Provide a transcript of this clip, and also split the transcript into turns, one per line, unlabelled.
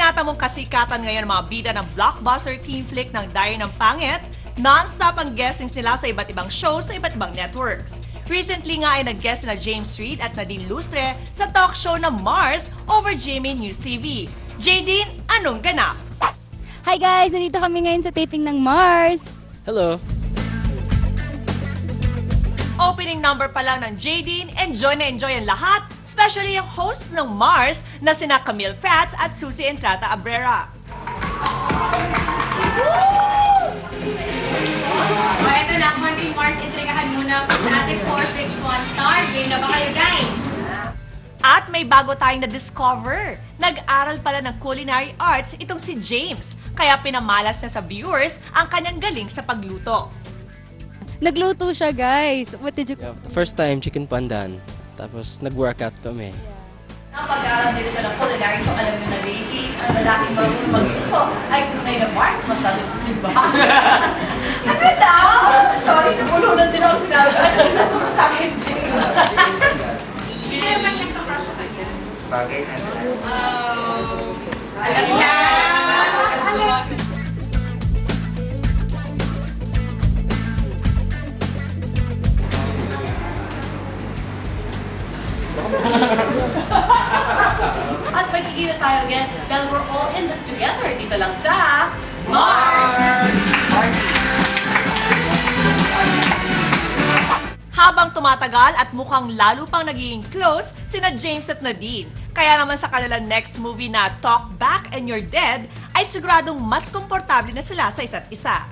Tinatamong kasikatan ngayon ang mga bida ng blockbuster teen flick ng Diary ng Pangit, non-stop ang guestings nila sa iba't ibang shows sa iba't ibang networks. Recently nga ay nag-guest na James Reid at Nadine Lustre sa talk show na Mars over GMA News TV. Jadine, anong ganap?
Hi guys! Nandito kami ngayon sa taping ng Mars.
Hello.
Opening number pa lang ng Jadine, enjoy na enjoy ang lahat, especially yung hosts ng Mars na sina Camille Prats at Susie Entrata Abrera.
O, eto na, Monday Mars, intrigahan muna sa ating 461 star. Game na ba kayo, guys?
At may bago tayong na-discover. Nag-aral pala ng culinary arts itong si James, kaya pinamalas niya sa viewers ang kanyang galing sa pagluto.
Nagluto siya guys. What did you...
Yeah, first time, chicken pandan. Tapos nag-workout kami.
Ang pag-aaral nito ng culinary, so alam nyo na ladies, ang lalaking marunong magluto ay tunay na Mars, masalip, di ba? Ano daw? Sorry, nabulunan din ako sinabi. Ano mo sa akin, James? Hindi naman nagka-crush sa kanya.
Bagay na.
Alam na! At magkikita tayo again dahil we're all in this together dito lang sa Mars!
Habang tumatagal at mukhang lalo pang nagiging close sina James at Nadine. Kaya naman sa kanilang next movie na Talk Back and You're Dead ay siguradong mas komportable na sila sa isa't isa.